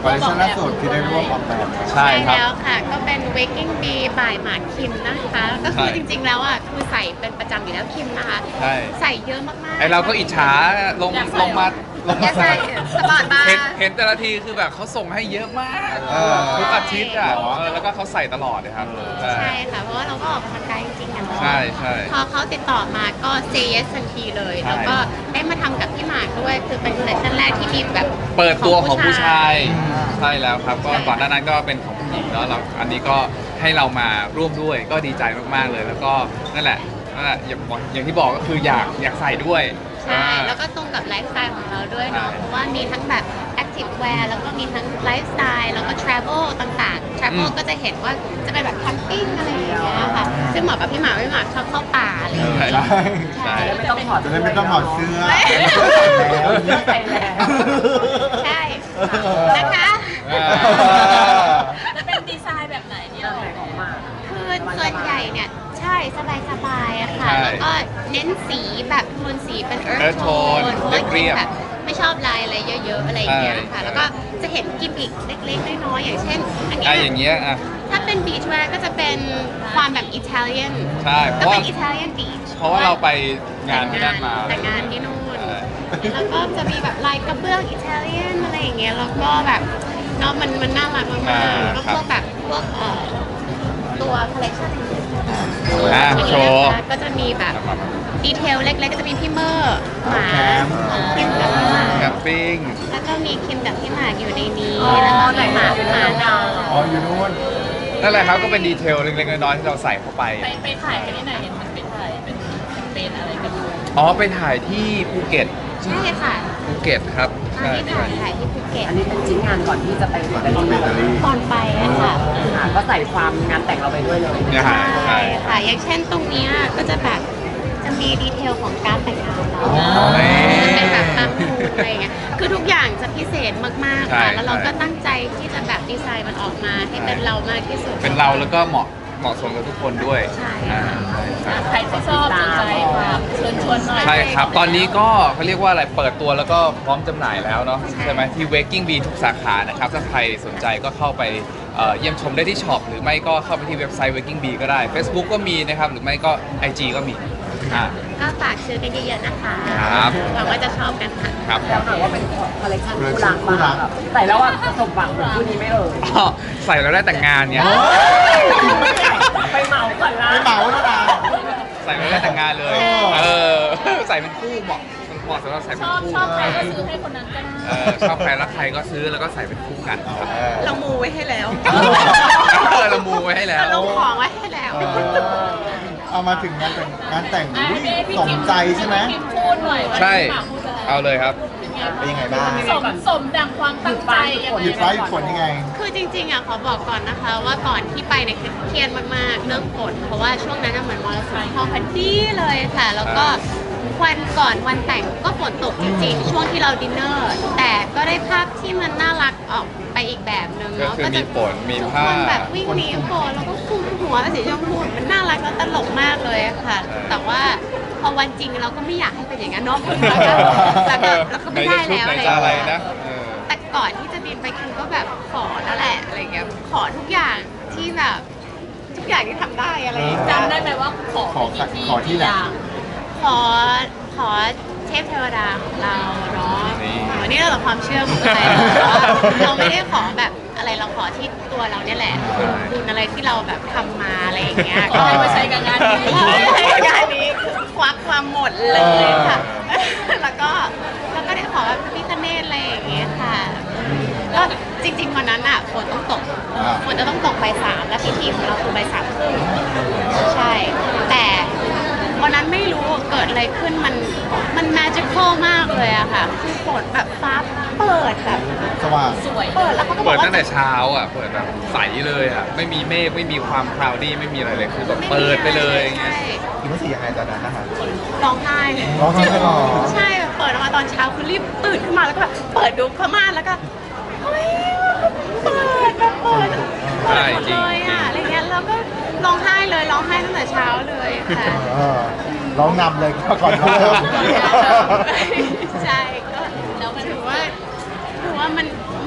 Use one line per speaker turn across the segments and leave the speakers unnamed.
คอลเลคชันล่าสุดที่ได้ร่วมออกแบบ
ใช่ครับ
แล้วค่ะก็เป็น Waking Bee by หมากคิมนะคะก็คือจริงๆแล้วอ่ะคือใส่เป็นประจำอยู่แล้วคิมนะคะ
ใช่
ใส่เยอะมากๆ
ไอเราก็อิจฉาลงมา
อยากใส่สปอร์ตบาร์
เห็นแต่ละทีคือแบบเขาส่งให้เยอะมาก
เออ
ทุกอาทิตย์อ่ะแล้วก็เขาใส่ตลอดเลยครับ
ใช่ค่ะเพราะว่าเราก็ออกกำลังกายจริงๆอะเนาะ
ใช่ใช่
พอเขาติดต่อมาก็ say yes ทันทีเลย
ใช่
แล้วก็ได้มาทำกับพี่หมากด้วยคือเป็นคอลเลคชันแรกที่มีแบบ
เปิดตัวของผู้ชายใช่แล้วครับก็ก่อนหน้านั้นก็เป็นของผู้หญิงเนาะเราอันนี้ก็ให้เรามาร่วมด้วยก็ดีใจมากๆเลย แล้วก็นั่นแหละอย่างที่บอกก็คืออยากใส่ด้วย
ใช่แล้วก็ตรงกับไลฟ์สไตล์ของเราด้วยเนาะ
ใช่
เพราะว่ามีทั้งแบบ active wear แล้วก็มีทั้งไลฟ์สไตล์แล้วก็ travel ต่างๆ travel ก็จะเห็นว่าจะเป็นแบบแคมปิ้งอะไรอย่างเงี้ยค่ะซึ่งเหมาะกับพี่หมากชอบเข้าป่าอะไรอย่างเงี้ย
ใช่
ใช่
ไม่ต้องถอด
จะได้ไม่ต้องถอดเสื้อ
ไม่
ใส่แล้ว
ใช่นะคะ
จะเป็นดีไซน์แบบไหนเนี่ย
ใส่ของมา
คือส่วนใหญ่เนี่ยใช่สบายๆอะค่ะ
ใช่
แล้วก็เน้นสีแบบโทนสีเป็น earth
earth
tone
tone
เพราะว่า
เรียบๆ
แบบไม่ชอบลายอะไรเยอะๆอะไรอย่างเงี้ย
ใช่
ค่ะ แล้วก็จะเห็นกิมมิคเล็กๆน้อยๆอย่างเช่น อัน
อ่ะ
เนี้
อย่างเงี้ยอ่ะ
ถ้าเป็น beach wear ก็จะเป็นความแบบอิตาเลียน
ใช่เพ
ก็
ราะว่า
เป็นอิตาเลียน beach
เพราะว่าเราไปงานที่นั่นมา
แต่งงานที่นู่น
ใช่
แล้วก็จะมีแบบลายกระเบื้องอิตาเลียนอะไรอย่างเงี้ย แล้วก็แบบเนาะมันน่ารักมากๆแล้วก็พวกแบบพวกตัวคอลเลคชันอื่นๆ
อ่ะโชว์
ก็จะมีแบบดีเทลเล็กๆก็จะมีพี่เมอร์หมาคิมกับพี่หมาก
แคมปิ้ง
แล้วก็มีคิมกับพี่หมากอยู่ในนี้แล้วก็มีหมาดาว
อ๋ออยู่นู่น
นั่นแหละครับก็เป็นดีเทลเล็กๆน้อยๆที่เราใส่เข้าไป
ไปถ่ายกันที่ไหนเห็นมันไปถ่ายเป็นแคมเปญอะไรกันอยู่
อ๋อไปถ่ายที่ภูเก็ต
ใช่ค่ะ
ภูเก็ตครับ
ตอนที่ถ่ายที่ภูเก็ต
อันนี้เป็นชิ้นงานก่อนที่จะไปอิตาลีเลย
ตอนไปอะค่ะ
ก็ใส่ความงานแต่งเราไปด้วยเลย
เนี่ยฮะ
ใช่ค่ะ อย่างเช่นตรงเนี้ยก็จะแบบจะมีดีเทลของการแต่งงานเรา จะเป็นแบบตามมูดอะไรเงี้ย คือทุกอย่างจะพิเศษมากๆค่ะ แล้วเราก็ตั้งใจที่จะแบบดีไซน์มันออกมาให้เป็นเรามากที่สุด
เป็นเราแล้วก็เหมาะสมกับทุกคนด้วย
ใช่
อ่าใช่
ใครที่ชอบสนใจมาเชิญชวนหน่อย
ใช่ครับ ตอนนี้ก็เขาเรียกว่าอะไร เปิดตัวแล้วก็พร้อมจำหน่ายแล้วเนาะใช่ไหมที่ Waking Bee ทุกสาขานะครับ ถ้าใครสนใจก็เข้าไปเยี่ยมชมได้ที่ช็อปหรือไม่ก็เข้าไปที่เว็บไซต์ Waking Bee ก็ได้ Facebook ก็มีนะครับ หรือไม่ก็ IG ก็มีอ่า
ก็ฝากซื้อกันเยอะๆนะคะ
ครับ
หวังว่าจะชอบกันค่ะ
ครับ
แล้วหน่อยว่าเป็นคอลเลคชันคู่รักบ้างแบบใส่แล้วว่าสมหวังเหมือนคู่นี้ไม่เอ่ย
อ๋อใส่แล้วได้แต่งงานเนี่ย
ไปเหมาก่อนละ
ไปเหมาแล้วนะ
ใส่แล้วได้แต่งงานเลย
เออ
เออ ใส่เป็นคู่เหมาะสำหรับใส่เป็นคู่
ชอบใครก็ซื้อให้คนนั้นก็ได้
ชอบใครรักใครก็ซื้อแล้วก็ใส่เป็นคู่กันครับ
เรามูไว้ให้แล้ว
เรามูไว้ให้แล้ว
เราลงของไว้ให้แล้ว
เอามาถึงงานแต่ง
อ่ะ
อุ๊ย
ให้พี่
สม
คิม
ใจใช่ไหม
พี่คิมพูดหน่อยว่า
ใช่
พี่หมากพูดอะไร
เอาเลยครับ
เป็นยังไงบ้าง
สมดังความตั้งใจยังไง
หยุดฟ้าหยุดฝนยังไง
คือจริงๆอ่ะขอบอกก่อนนะคะว่าก่อนที่ไปเนี่ยคือเครียดมากๆเรื่องฝนเพราะว่าช่วงนั้นน่ะเหมือนมรสุมเข้าพอดีเลยค่ะ แล้วก็วันก่อนวันแต่งก็ฝนตกจริงๆ ช่วงที่เราดินเนอร์ แต่ก็ได้ภาพที่มันน่ารักออกไปอีกแบบหนึ่ง
ก็
เนาะ
คือมีฝนมี
ทุก
ผ้า
คนแบบวิ่งหนีฝนแล้วก็คลุมหัวเป็นสีชมพูมันน่ารักแล้วตลกมากเลยอะค่ะ แต่ว่าพอวันจริงเราก็ไม่อยากให้เป็นอย่างนั้นเนาะแล้วก็ไม่ได้แล้ว
ใน
อะไร
จะอะไร
อย่างเงี้
นะ
ย แต่ก่อนที่จะบินไปคิมก็แบบขอแล้วแหละอะไรเงี้ยขอทุกอย่างที่แบบทุกอย่างที่ทำได้อะไรอย่างเงี้ย
จำได้ไหมว่าขอ
ขอที่ไหน
ขอเทพเทวดาของเราเนาะ
นี่
นี่เราความเชื่อของใครเราไม่ได้ขอแบบอะไรเราขอที่ตัวเราเนี่ยแหละบุญอะไรที่เราแบบทำมาอะไรอย่างเงี้ย
ขอให้มาใช้กับงานนี้
งานนี้ควักความหมดเลยค่ะ แล้วก็ได้ขอแบบพระพิฆเนศอะไรอย่างเงี้ยค่ะ ก็จริงๆวันนั้นอ่ะฝนต้องตก ฝนจะต้องตกบ่าย 3แล้วพิธีของเราคือบ่าย 3:30ใช่ แต่วันนั้นไม่รู้เกิดอะไรขึ้นมัน magical มากเลยอะค่ะ คือฝนแบบฟ้าเปิดแบบ
สว่าง
สวย
เปิดแล้วเขาก็บอ
เปิ
ก
ด
ว่า
ตั้งแต่เช้าอ่ะ เปิดแบบใสเลยอ่ะ ไม่มีเมฆไม่มีความคลาวดี้ไม่มีอะไรเลย คือแบบเปิดไปเลยอย่างเงี้ย
ใช่
คิดว่าสียังไงตอนนั้นนะคะ
ร้องไห้
ร้องไห้เหรอ
ใช่แบบเปิดออกมาตอนเช้าคือรีบตื่นขึ้นมาแล้วก็แบบเปิดดูผ้าม่านแล้วก็เฮ้ยเปิดแบบเปิด
ใช่
หมด
จริง
เลยอ่ะอะไรเงี้ยแล้วก็ร้องไห้เลยร้องไห้ตั้งแต่เช้าเลยค่ะ
เออร้องนำเลยก่อนเริ่ม
ใช่ก็ถือว่ามันดี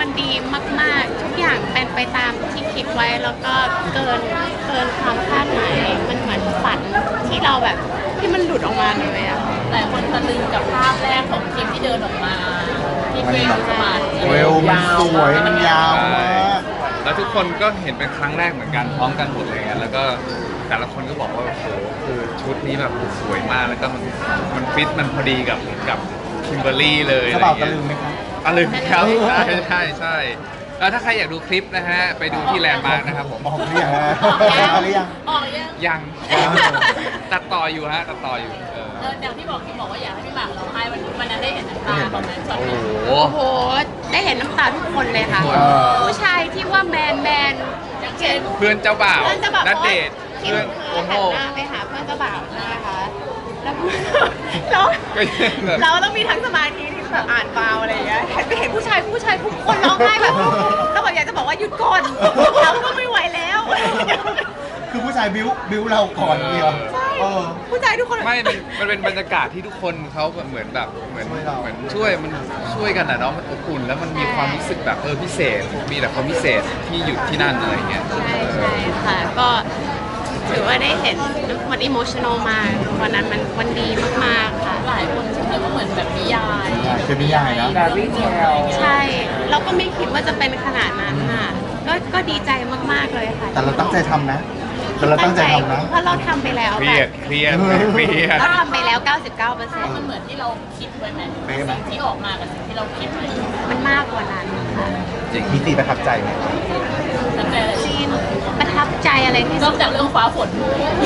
มากๆ ทุกอย่างเป็นไปตามที่คิดไว้แล้วก็เกินความคาดหมายมันเหมือนฝันที่เราแบบที่มันหลุดออกมาเลยอะค่ะ
หลายคนตะลึงกับภาพแรกของคิมที่เดินออกมาที่เวลสมาร์ท
เวลมันสวยมันยาวมาก
แล้วทุกคนก็เห็นเป็นครั้งแรกเหมือนกันพร้อมกันหมดเลยไงแล้วก็แต่ละคนก็บอกว่าโอ้โหคือชุดนี้แบบสวยมากแล้วก็มันฟิตมันพอดีกับคิมเบอร์รี่เลย
กระเป๋าตะลึงไหมคะ
ตะลึงครับใช่แล้วถ้าใครอยากดูคลิปนะฮะไปดูที่แลนด์มาร์กนะครับผม
ออกหรือยังฮะออกหรือยัง
ออกยัง
ยังตัดต่ออยู่ฮะตัดต่ออยู่
อย่างที่บอกคิมบอกว่าอยากให้พี่หมากร้องไห้วันนั้นได้เห็นน้ำตาตอนนั้นช็อต
โอ้
นั้น
โห
โอ้โหได้เห็นน้ำตาทุกคนเลยค่ะ
เออ
ผู้ชายที่ว่าแมน
อย่างเช่น
เพื่อนเจ้าบ่าว
เพื่อนจะแบบ
นัดเดท
คิ
เพื่
ม
อน
คื
โอ้
อ
โห
หันหน้าไปหาเพื่อนเจ้าบ่าวใช่ไหมคะแล้วเรา
ก็ยังแบบ
เราต้องมีทั้งสมาธิที่แบบอ่านฟาวอะไรอย่างเงี้ยเห็นไปเห็นผู้ชายทุกคนร้องไห้แบบเราแบบอยากจะบอกว่าหยุดก่อนเราก็ไม่ไหวแล้ว
คือผู้ชายบิ้วเราก่อนเดียว
ใช่
เออ
ผู้ชายทุกคน
ไม่มันเป็นบรรยากาศที่ทุกคนเขาเหมือนแบบเหมือน
ช่วยเรา
เหมือนช่วยกันนะเนาะมันอบอุ่นแล้วมันมีความรู้สึกแบบพิเศษ มีแต่ความพิเศษที่อยู่ที่นั่นอะไรเงี้ย
ใช่ค่ะก็ถือว่าได้เห็นทุกคนอิโมชันอลมากวันนั้นมันดีมากๆค่ะ
หลายคนคิดว่าเหมือนแบบนิยาย
คือนิยายนะ
แบบรีเทล
ใช่เราก็ไม่คิดว่าจะเป็นขนาดนั้นค่ะก็ดีใจมากๆเลยค่ะ
แต่เราตั้งใจทำนะแต่เราตั้งใจทำนะ
เพราะเราทำไปแล้ว
เค
แบ
รียด
บ
เครียด
เราทำไปแล้ว 99%
มันเหมือนที่เราคิดไว้ไหม
เป๊ะไหม
สิ่งที่ออกมากับสิ่งที่เราคิดไว้
มันมากกว่านั้นค่ะ
จริง
มีตีประทับใจไหม
ตั้งใจเลย
จีนประทับใจอะไรที่
น
สุ
อ
ด
กจากเรื่องฟ้าฝน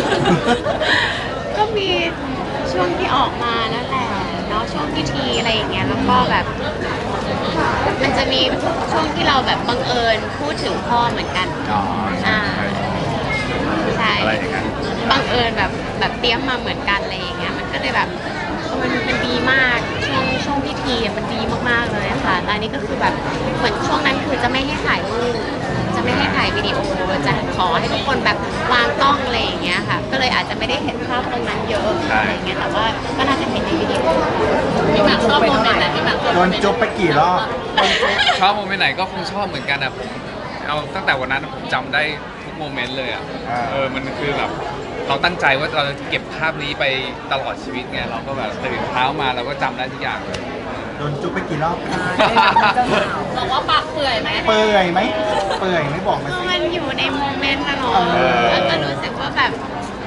ก็มีช่วงที่ออกมานั่นแหละเนาะช่วงพิธีอะไรอย่างเงี้ยแล้วก็แบบมันจะมีช่วงที่เราแบบบังเอิญพูดถึงพ่อเหมือนกัน
อ๋อ
อ่าใช่
อะไรอย่างนั้น
บังเอิญแบบเตรียมมาเหมือนกันอะไรอย่างเงี้ยมันก็เลยแบบมันดีมากช่วงพิธีอะมันดีมากๆเลยค่ะแล้วอันนี้ก็คือแบบเหมือนช่วงนั้นคือจะไม่ให้ถ่ายรูปจะไม่ให้ถ่ายวิดีโอจะขอให้ทุกคนแบบวางกล้องอะไรอย่างเงี้ยค่ะ ก็เลยอาจจะไม่ได้เห็นภาพตรงนั้นเยอะอะไรอย่างเงี้ยแต่ว่าก็น่าจะเห็นในวิดีโอ
พี่หมากชอบโมเมนต์ไหนพี่หมากชอบ
โด
โม
น
เมนต์
จุ๊บไปกี่รอบ
ชอบโมเมนต์ไหนก็คงชอบเหมือนกันอะผมเอาตั้งแต่วันนั้นผมจำได้ทุกโมเมนต์เลยอะมันคือแบบเราตั้งใจว่าเราจะเก็บภาพนี้ไปตลอดชีวิตไงเราก็แบบตื่นเช้ามาเราก็จำได้ทุกอย่างเลย
โดนจุ๊บไปกี่รอบ
บอกว่าปากเปื่อยไหม
เปื่อยไหมเปื่อยไม่บอกมาสิ
มันอยู่ในโมเมนต์นะเนาะ
เออ
แล้วก็รู้สึกว่าแบบ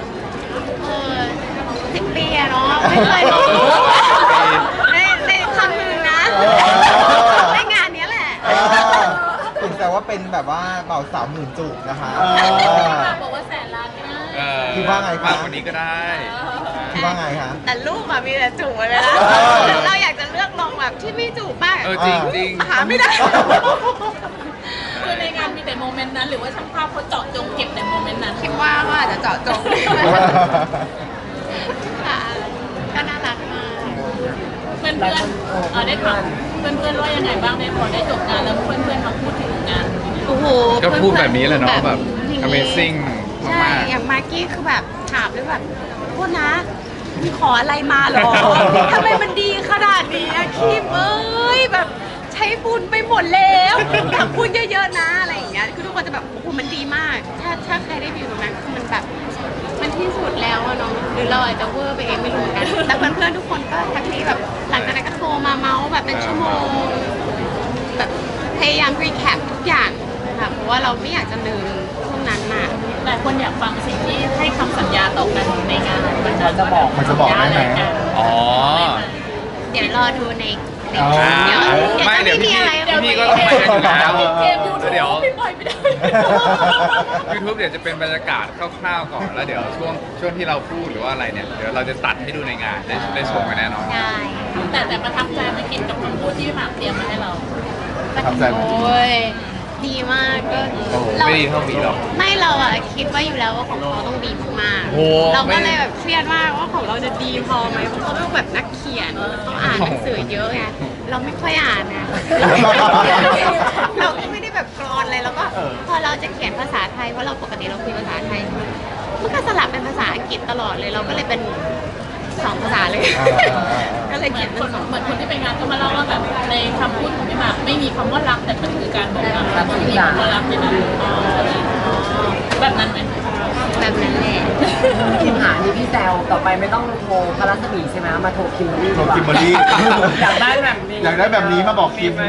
10 ปีอะเนาะไม่เคยรู้ในคำนึงนะในงานเนี้ยแหละ
ถึงแต่ว่าเป็นแบบว่าเป่าสาวหมื่นจูบนะคะ
พี่หมากบอกว่าแสนล้านไม่ได้
คิดว่าไงคะ
มากกว่านี้ก็ได้
คิดว่าไงคะ
แต่ลูกอะมีแต่จูบไปแล้ว
เออ
เราอยากจะเลือกลองแบบที่ไม่จูบบ้าง
จริงจริง
หาไม่ได้
คือในงานมีแต่โมเมนต์นั้น หรือว่าช่างภาพเขาเจาะจงเก็บแต่โมเมนต์นั้น
คิดว่าก็อาจจะเจาะจงค่ะก็น่ารักมาก
เพื่อนได้ถามเพื่อนๆว่ายังไงบ้างได้พอได้จบงานแล้วเพื่อนๆมาพูดถึงงาน
โอ้โห
ก็พูดแบบนี้แหละเนาะแบบ
อย่างนี้
Amazing
ใช่
มาก
อย่างมากกี้คือแบบถามด้วยแบบโทษนะมีขออะไรมาเหรอ ทำไมมันดีขนาดนี้อะคิมเอ้ยแบบใช้บุญไปหมดแล้วอยากบุญเยอะๆนะอะไรอย่างเงี้ยคือทุกคนจะแบบโอ้โหมันดีมาก ถ้าใครได้ไปอยู่ตรงนั้นคือมันแบบมันที่สุดแล้วอะเนาะหรือเราอาจจะเวอร์ไปเองไม่รู้เหมือนกันแต่เพื่อนๆทุกคนก็ทักทีแบบหลังจากนั้นก็โทรมาเมาส์แบบเป็นชั่วโมงแบบพยายามรีแคปทุกอย่างค่ะเพราะว่าเราไม่อยากจะลืมช่วงนั้นน่ะ
หลายคนอยากฟังสิ่งที่ให้คำสัญญาต่อกันในงาน
มันจะบอกได้ไหม
ๆอ๋อ
เดี๋ยวรอดูใน
อ๋อ
เดี๋ยว
ไม่เดี๋ยว
จะมีอะไร
พี่ก็ต้องไปกันอยู่แล้ว
เกมยูทูบ
เดี๋ยว
พี่ปล่อยไม่ได้
YouTube เดี๋ยวจะเป็นบรรยากาศคร่าวๆก่อนแล้วเดี๋ยวช่วงที่เราพูดหรือว่าอะไรเนี่ยเดี๋ยวเราจะตัดให้ดูในงานได้ชมกันแน่นอน
ได้
แต่ประทับใจไหม่คิดกับคำพูดที่พี่หมากเตรียมมาให้เรา
ประทับใจไหม
โอ้ยดีมากก็
โอ้โห
เรา
ไม่ดีเท่าบีหรอก
ไม่เราอะคิดว่าอยู่แล้วว่าของเขาต้องดีมาก
โอ้
ๆเราก็
ไม่
เลยแบบเครียดมากว่าของเราจะดีพอไหมเพราะเขาต้องแบบนักเขียนต้องอ่านหนังสือเยอะไงเราไม่ค่อยอ่านนะเราก็ไม่ได้แบบกรอนอะไรแล้วก็พอเราจะเขียนภาษาไทยเพราะเราปกติเราคุยภาษาไทยมันก็สลับเป็นภาษาอังกฤษตลอดเลยเราก็เลยเป็น2 ภาษาเลย ก็เลยเขียนเป็นสอง
เหมือนคนที่ไปงานก็มาเล่าว่าแบบในคำพูดของพี่หมากไม่มีคำว่ารักแต่มันคือการบอกรักมันมีคำว่ารักในนั้นแบบนั้นไหม
แบบนั้นแหละ
คิมหานี่พี่แซวต่อไปไม่ต้องโทรพระรัศมีใช่ไหมมาโทรคิมเบอรี่
โทรคิมเบอรี่
อยากได้แบบนี้
อยากได้แบบนี้มาบอกคิม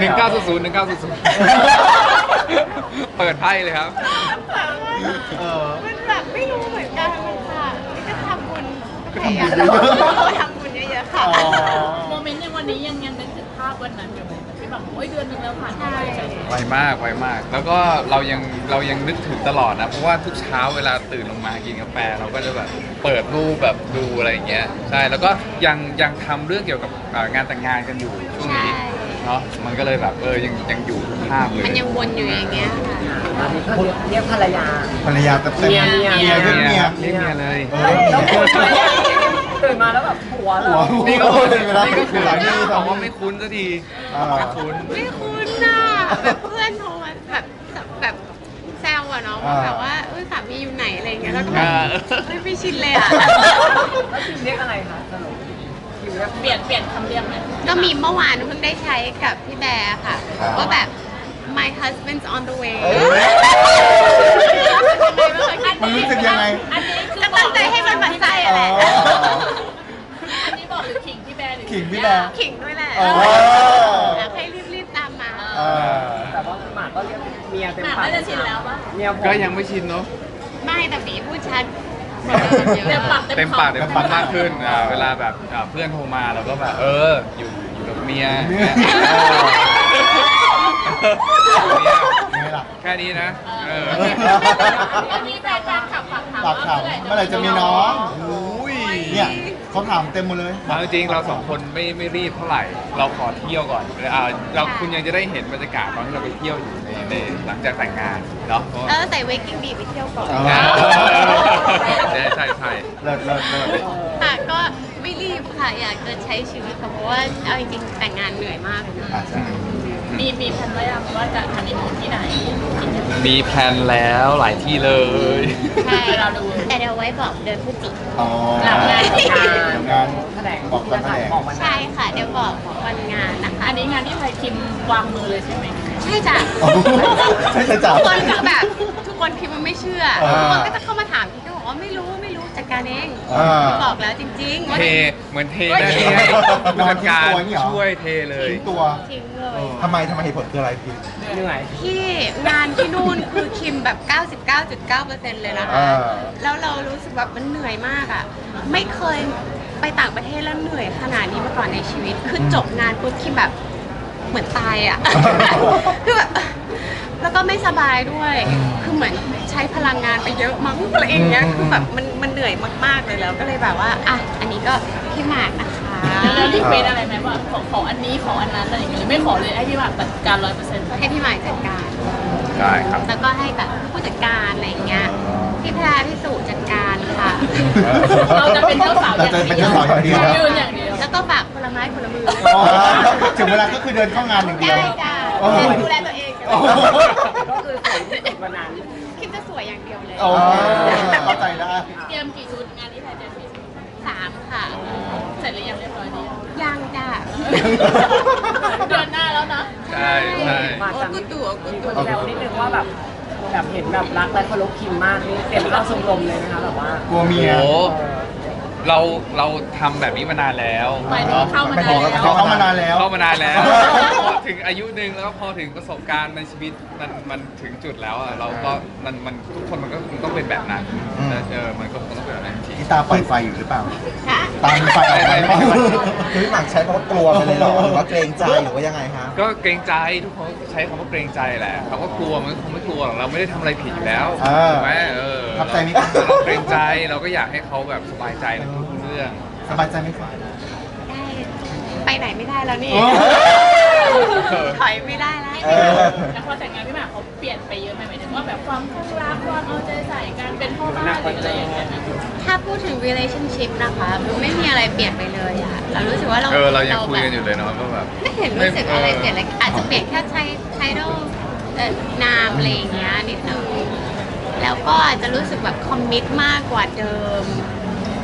เปิดไพ่เลยครับ
เออ
มันแบบไม่รู้เหมือนกันค่ะนี่ก็ทำบุญพยายามทำบุญเยอะๆค่ะ
อ๋อ
โมเมนต์ในวันนี้ยังนึกถึงภาพวันนั้นอยู่ไหมพี่หมากโอ้ยเดือนนึงแล้วผ่านไป
ไวมากไวมาก แล้วก็เรายังนึกถึงตลอดนะ เพราะว่าทุกเช้าเวลาตื่นลงมากินกาแฟเราก็จะแบบเปิดรูปแบบดูอะไรอย่างเงี้ยใช่แล้วก็ยังทำเรื่องเกี่ยวกับงานแต่งงานกันอยู่ช่วงนี้
ใช่
เนาะมันก็เลยแบบยังอยู่ทุกภาพเลย
มันยังวนอยู่อย่างเงี้ยค่ะ
ตอนนี้ก็เรียกภรรยา
ภรรยาเต็ม
เมีย
เมียเรื่องเมีย
เรียกเมียเลย
เออ
แล้วตื่นมาแล้วแบบผัวเหรอ
หัว
นี่ก็
เวลา
นี่ก็คือ
สามี
บอกว่าไม่คุ้นสักที
อ่า
ไม่คุ้น
ไม่คุ้นน่ะแบบเพื่อนโทรมาแบบแซวอะเนาะว่าแบบว่าสามีอยู่ไหนอะไรอย่างเงี้ยแล้วก็แบบไม่ชินเลยอะ
แล้วคิมเรียกอะไรคะสรุปคิมเรียก
เปลี่ยนคำเรียกไหม
ก็มีเมื่อวานเพิ่งได้ใช้กับพี่แบร์ค่ะว่าแบบ my husband's on the way
มันรู้สึกยังไง
อันนี้คือ
ก็ตั้งใจให้มันหมั่นไส้อะแหละ
อ๋อ
อันนี้บอกหรือขิงพี่แบร์หรือ
ขิงพี่แบร์
ขิงด้วยแหละ
อ๋อ
อยากให้รีบๆตามมา
เออ
แต่ว่าหมากก็เรียกเมียเต็ม
หมาก
ปาก
น่าจะชินแล้วปะ
เมียผม
ก็ยังไม่ชินเนาะ
ไม่แต่บีพูดชัด
เต็มปาก
เต็มปากเต็มคำมากขึ้นเวลาแบบเพื่อนโทรมาเราก็แบบอยู่กับเมีย
ไม่หลับ
แค่นี้นะ
อันนี้แฟนขับฝากถาม
ปากถามเมื่อไหร่จะมีน้อง
อุ้ย
เนี่ยเขาถามเต็มหมดเลย
เอาจริงๆเราสองคนไม่รีบเท่าไหร่ เราขอเที่ยวก่อนเราคุณยังจะได้เห็นบรรยากาศตอนที่เราไปเที่ยวอยู่ในหลังจากแต่งงานเนาะ
ใส่เวกกิ้งบีไปเที่ยวก่อน
อ๋อ
ใช่
เลิศเลิศเลิศ
ค่ะก็ไม่รีบค่ะอยากจะใช้ชีวิตค่ะเพราะว่าเอาจริงๆแต่งงานเหนื่อยมากเลยนะ
อาจจะ
มีแผนไว้ยังว่าจะฮันนีมูนที่ไหน
มีแพลนแล้วหลายที่เลย
ใช่แต่เดี๋ยวไว้บอกเดือนพฤศจิกายน
อ๋อ
หลังงาน
งาน
แถลง
บอกตอนแถลง
บอกวัน
ใช่ค่ะเดี๋ยวบอกวันงานนะคะ
อันนี้งานที่ไทยคิมวางมือเลยใช่ไหม
ใช่จ้ะ
อ๋อใช่ใช่จ้ะ
ทุกคนคือแบบทุกคนคิดว่าไม่เชื่อ
อ่า
ทุกคนก็จะเข้ามาถามพี่ก็บอกว่าไม่รู้จัดการเอง
อ่า
บอกแล้วจริงๆว่า
เทเหมือนเทได้เลยผู้จัดการช่วยเทเลย
ทิ้งตัว
ทิ้งเลย
ทำไมเหตุผลคืออะไรพี่
เหนื่อย
ที่งานที่นู่นคือคิมแบบ 99.9% เลยนะคะ
อ่า
แล้วเรารู้สึกแบบมันเหนื่อยมากอ่ะ ไม่เคยไปต่างประเทศแล้วเหนื่อยขนาดนี้มาก่อนในชีวิต คือจบงานปุ๊บคิมแบบเหมือนตายอ่ะ คือแบบแล้วก็ไม่สบายด้วย คือเหมือนใช้พลังงานไปเยอะมั้งอะไรอย่างเงี้ย คือแบบมันเหนื่อยมากๆเลยแล้วก็เลยแบบว่าอ่ะอันนี้ก็พี่หมากนะคะ
แล้วรีเควสอะไรไหมว่าขออันนี้ขออันนั้นอะไรอย่างเงี้ยไม่ขอเลยให้พี่หมากจัดการ 100%
ให้พี่หมากจัดการ
ได้ครับ
แล้วก็ให้แบบผู้จัดการอะไรอย่างเงี้ย พี่แพรพี่สุจัดการค่ะ
เราจะเป็นเจ้าสาวอย่าง
เราจะเป็นเจ้าสาวอย่างเดียว
ยืนอย่างเดียว
แล้วก็ฝากคนละไม้คนละมือ
อ๋อถึงเวลาก็คือเดินเข้างานอย่างเดียว
ได้จ้า
โอ้โห
ดูแลตัวเอง
โอ้โห
ก็คือสวยที่สุดวันนั้น
คิดจะสวยอย่างเดียวเลย
โอ้เข้าใจได้
เตรียมกี่ชุดงานที่ไทยเตรียมกี่ชุด
3 ค่ะ
เสร็จหรือยังเรียบร้อยดี
ยังจ้า
เดือนหน้าแล้วนะ
ใช่ใช่
มา
โอ้
จาก
กูตัวกู
มี
ตั
คว นแซวนิดนึงว่าแบบเห็นแบบรักและเคารพคิมมากนี่เตรียมเข้าชมรมเลยนะคะแบบว่า
กลัวเมีย
โอ้เราทำแบบนี้มานานแล้ว
หมายถึงเข้ามานานแล้ว
เข้ามานานแล้ว
เข้ามานานแล้วพอถึงอายุหนึ่งแล้วก็พอถึงประสบการณ์ในชีวิตมันถึงจุดแล้วอะเราก็มันทุกคนมันก็คงต้องเป็นแบบนั้น
อืม
มันก็คงต้องเป็นแบบนั้นจริง
พี่ตาปล่อยไฟอยู่หรือเปล่า
ค่ะ
ตามไฟออกไป
ไม่
คือพี่หมากใช้เพราะกลัวไปเลยเหรอหรือว่าเกรงใจหรือว่ายังไงฮะ
ก็เกรงใจทุกคนใช้คำว่าเกรงใจแหละเขาก็กลัวมันคงไม่กลัวหรอกเราไม่ได้ทำอะไรผิดอยู่แล้ว
อ่า
ถูกไหม
ทับใจไหม
เราเกรงใจเราก็อยากให้เขาแบบสบายใจในทุกๆเรื่อง
สบายใจไหมคะ
ได้ไปไหนไม่ได้แล้วนี่
โอ้
ถอยไม่ได้แล้ว
เออ
แล้วพอแต่งงานพี่หมากเขาเปลี่ยนไปเยอะไหมหมายถึงว่าแบบความข้างรักความเอาใจใส่การเป็นพ่อบ้านหรืออะไรอย่างเงี้ย
ถ้าพูดถึง relationship นะคะมันไม่มีอะไรเปลี่ยนไปเลยอะเรารู้สึกว่าเรา
เรายังคุย
แบบ
กันอยู่เลยเนาะก็แบบ
ไม่เห็นรู้สึกอะไรเปลี่ยนเลยอาจจะเปลี่ยนแค่ไทดอลนามอะไรอย่างเงี้ยนิดนึงแล้วก็อาจจะรู้สึกแบบคอมมิตมากกว่าเดิม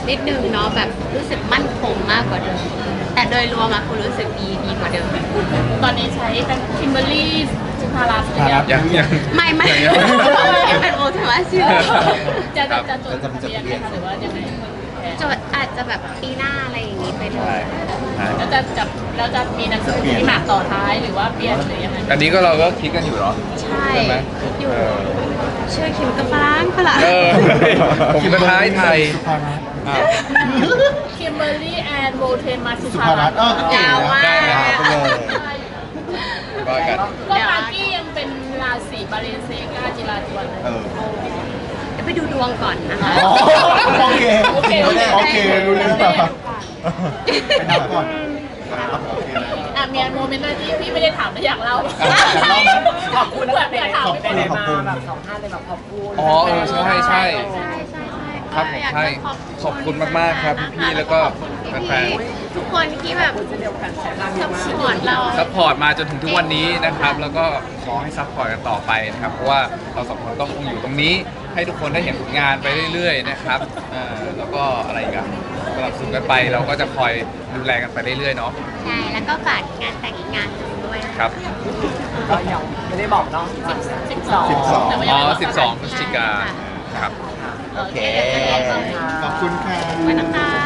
นิดนึงเนาะแบบรู้สึกมั่นคงมากกว่าเดิมแต่โดยรวมอะคุณรู้สึกดีกว่าเดิม
ตอนนี้ใช้เป็นคิมเบอร์รี่สุภารัตน์หรือยัง
ยัง
ไม่
ยัง
ยังเป็นโอทวาชื่อ
จะจดทะเบียนไหมคะหรือว่ายังไง
จดอาจจะแบบปีหน้าอะไรอย่างนี้ไปเล
ใช่
ย
ใช่
แล้วจะมีหนังสือที่หมากต่อท้ายหรือว่าเปลี่ยนหรือยังไง
อันนี้ก็เราก็คิดกันอยู่เนาะ
ใช่
ใช่ไหม
อยู่
เออ
ชื่อคิมกับฝรั่ง
เออผมเป็นท้ายไทย
สุภารัตน์
อ่ะ
คิมเบอร์รี่แอนด์โบเทมาสุ
สุ
ภา
ภา
รั
รั
ต
ต
น์
น์ก็เก๋
ยาวมาก
นะไปเลย
ว่ากัน
ก็มากกี้ยังเป็นราศีบาเลนเซกาจิราจวนเลย
เออ
เดี๋ยวไปดูดวงก่อนนะคะ
อ๋อโอเค
โอเค
โอเครู้เรื่องไปนับก่อนครับโอเค
อ่ะมีโมเมนต์อะไรที่พี่ไม่ได้ถามแต่อยากเล่า
ขอบคุณ
เผื่อ
นะ
เผื่อถาม
ไป
ไป
ไหน
เลย
มาแบบสองท่านเลยแบบขอบคุณ
อ๋อเออใช่ใช่
ใช่
ครับ
ก็อยาก
ใช่
จะ
ขอบคุณมากๆครับพี่ๆแล้วก็
ขอบคุณ
แฟน
พี่ๆทุกคนที่แบบ
เช่นเดียวกันใช้พลัง
ส
มาก
ปอร์ตเรา
ซัพพอร์ตมาจนถึงทุกวันนี้นะครับ แล้วก็ขอให้ซัพพอร์ตกันต่อไปนะครับ เพราะว่าเราสองคนก็คงอยู่ตรงนี้ ให้ทุกคนได้เห็นผลงานไปเรื่อยๆนะครับแล้วก็อะไรอีกันสนับสนุนกันไปเราก็จะคอยดูแลกันไปเรื่อยๆเนาะ
ใช่ แล้วก็ฝากงานแต่งอีกงานหนึ่งด้วยนะะ
ครับ
ก็ยังไม่ได้บอกเนาะ
12แต่ว่า
อ๋
ยัง
อ
ไม่บอก
12 พฤศจิกาครับ
โอเค
โอเค
ขอบคุณค่ะ
ขอบคุณนะคะ